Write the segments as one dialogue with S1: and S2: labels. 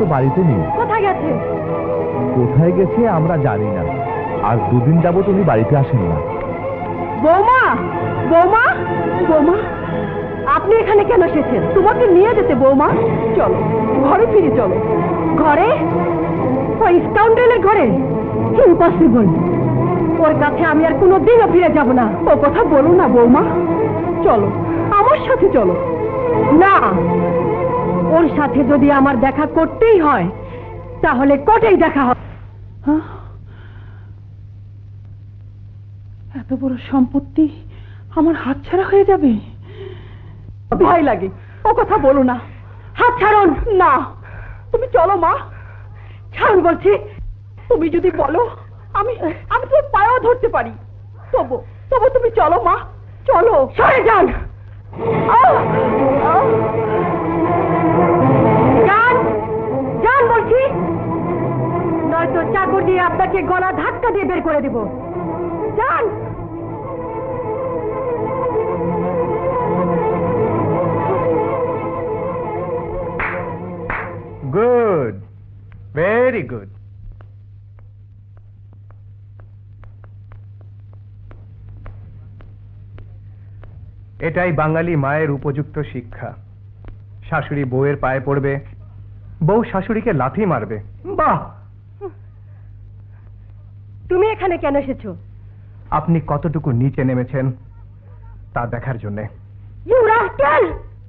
S1: তো বাড়িতে নেই।
S2: কোথায় গেছে?
S1: কোথায় গেছে আমরা জানি না, আর দুদিন যাবত উনি বাড়িতে আসেন না।
S2: বৌমা, বৌমা, বৌমা, আপনি এখানে কেন এসেছেন? তোমাকে নিয়ে যেতে বৌমা। চলো ঘরে ফিরে চলো। ঘরে? ওই স্কাউন্ডেলের ঘরে? ইম্পসিবল। ওর কাছে আমি আর কোনোদিনও ফিরে যাব না। ও কথা বলো না বৌমা, চলো আমার সাথে চলো। না, ওর সাথে যদি আমার দেখা করতেই হয় তাহলে কোর্টেই দেখা হবে। এত বড় সম্পত্তি আমার হাতছাড়া হয়ে যাবে, ভয় লাগে। ও কথা বলো না, হাত ছাড়ুন। না, তুমি চলো মা, ছাড়ুন বলছি। তুমি যদি বলো আমি আমি তোর পায়েও ধরতে পারি। তবু তবু তুমি চলো মা, চলো। সরে যান, যান, যান বলছি, নয়তো চাকু দিয়ে আপনাকে গলা ধাক্কা দিয়ে বের করে দেব। যান।
S3: Good, very good. এটাই বাঙালি মায়ের উপযুক্ত শিক্ষা। শাশুড়ি বউয়ের পায়ে পড়বে, বউ শাশুড়িকে লাথি মারবে। বাহ!
S2: তুমি এখানে কেন এসেছো?
S3: আপনি কতটুকু নিচে নেমেছেন তা দেখার জন্যে।
S2: You rascal!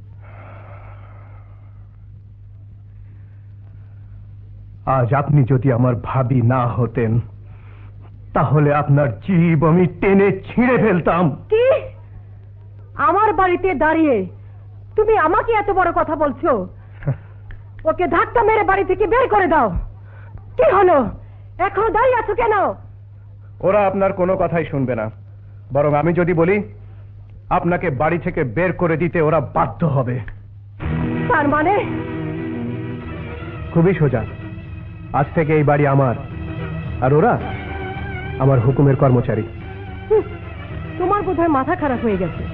S3: আজ আপনি যদি আমার ভাবি না হতেন তাহলে আপনার জীব আমি টেনে ছিঁড়ে ফেলতাম।
S2: কি? আমার বাড়িতে দাঁড়িয়ে তুমি আমাকে এত বড় কথা বলছো? ওকে ধাক্কা মেরে বাড়ি থেকে বের করে দাও। কি হলো, এখনো দাঁড়িয়ে আছো কেন?
S3: ওরা আপনার কোনো কথাই শুনবে না, বরং আমি যদি বলি আপনাকে বাড়ি থেকে বের করে দিতে ওরা বাধ্য হবে।
S2: তার মানে?
S3: খুবই সোজা, আজ থেকে এই বাড়ি আমার, আর ওরা আমার হুকুমের কর্মচারী।
S2: তোমার বোধহয় মাথা খারাপ হয়ে গেছে।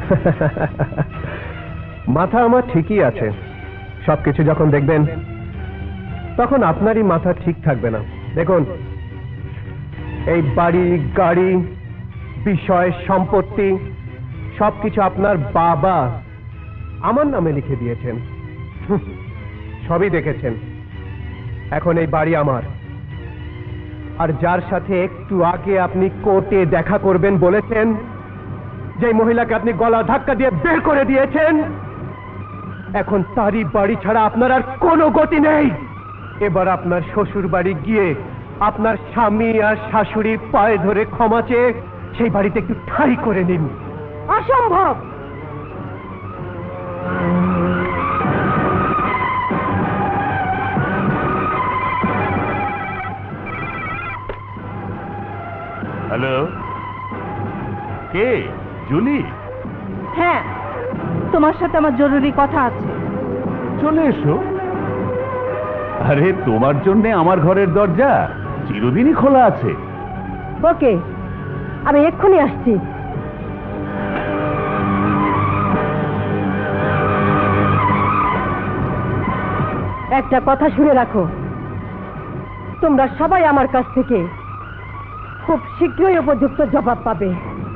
S3: মাথা আমার ঠিকই আছে, সবকিছু যখন দেখবেন তখন আপনারই মাথা ঠিক থাকবে না। দেখুন, এই বাড়ি, গাড়ি, বিষয়, সম্পত্তি সবকিছু আপনার বাবা আমার নামে লিখে দিয়েছেন। সবই দেখেছেন। এখন এই বাড়ি আমার, আর যার সাথে একটু আগে আপনি কোর্টে দেখা করবেন বলেছেন, যে মহিলাকে আপনি গলা ধাক্কা দিয়ে বের করে দিয়েছেন, এখন তারই বাড়ি ছাড়া আপনার আর কোনো গতি নেই। এবার আপনার শ্বশুর বাড়ি গিয়ে আপনার স্বামী আর শাশুড়ির পায়ে ধরে ক্ষমা চেয়ে সেই বাড়িতে একটু ঠাঁই করে নিন।
S2: অসম্ভব।
S4: হ্যালো, কে? জুলি?
S2: হ্যাঁ, তোমার সাথে আমার জরুরি কথা আছে।
S4: চলে এসো। আরে, তোমার জন্য আমার ঘরের দরজা চিরদিনই খোলা আছে।
S2: ওকে, আমি এক্ষুনি আসছি। একটা কথা শুনে রাখো, তোমরা সবাই আমার কাছ থেকে খুব শীঘ্রই উপযুক্ত জবাব পাবে।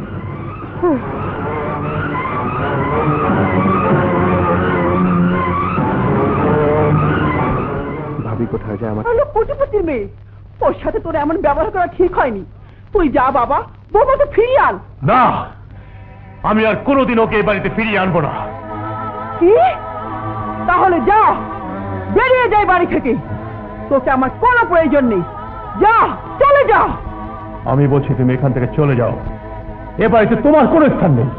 S3: ভাবি কোথায় যায়? আমার
S2: কোটিপতির মেয়ে, ওর সাথে তোর এমন ব্যবহার করা ঠিক হয়নি। তুই যা বাবা, বৌমাকে ফিরিয়ে আন।
S4: না, আমি আর কোনোদিন ওকে এই বাড়িতে ফিরিয়ে আনবো না।
S2: কি? তাহলে যা, বেরিয়ে যাই বাড়ি থেকে। তোকে আমার কোনো প্রয়োজন নেই। যা, চলে যা।
S4: আমি বলছি তুমি এখান থেকে চলে যাও, এ বাড়িতে তোমার কোনো স্থান নেই।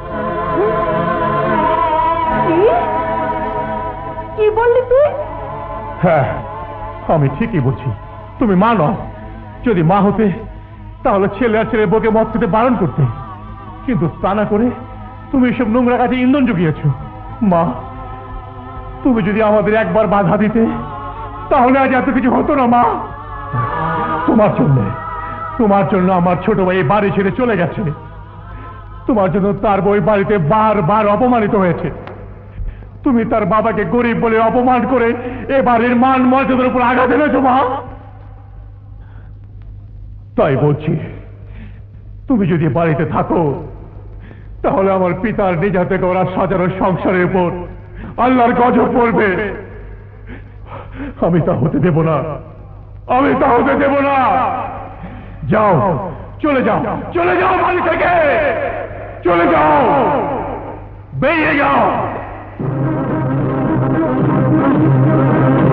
S2: কি বললি তুই?
S4: হ্যাঁ, আমি ঠিকই বলছি। তুমি মা নও। যদি মা হতে তাহলে ছেলে আর ছেলে বউকে মদ খেতে বারণ করতে, কিন্তু তা না করে তুমি এসব নোংরা কাজে ইন্ধন জুগিয়েছ। মা, তুমি যদি আমাদের একবার বাধা দিতে তাহলে আজ এত কিছু হতো না। মা, তোমার জন্য আমার ছোট ভাই বাড়ি ছেড়ে চলে গেছে। তোমার জন্য তার বই বাড়িতে বারবার অপমানিত হয়েছে। তুমি তার বাবাকে গরিব বলে অপমান করে এ বাড়ির মান মর্যাদার উপর আঘাত এনেছো মা। তাই বলছি, তুমি যদি বাড়িতে থাকো তাহলে আমার পিতার নিজ হাতে গড়া সাজানো সংসারের উপর আল্লাহর গজব পড়বে। আমি তা হতে দেব না, আমি তা হতে দেব না। যাও, চলে যাও, চলে যাও বাড়ি থেকে, চলে যাও, বেরিয়ে যাও।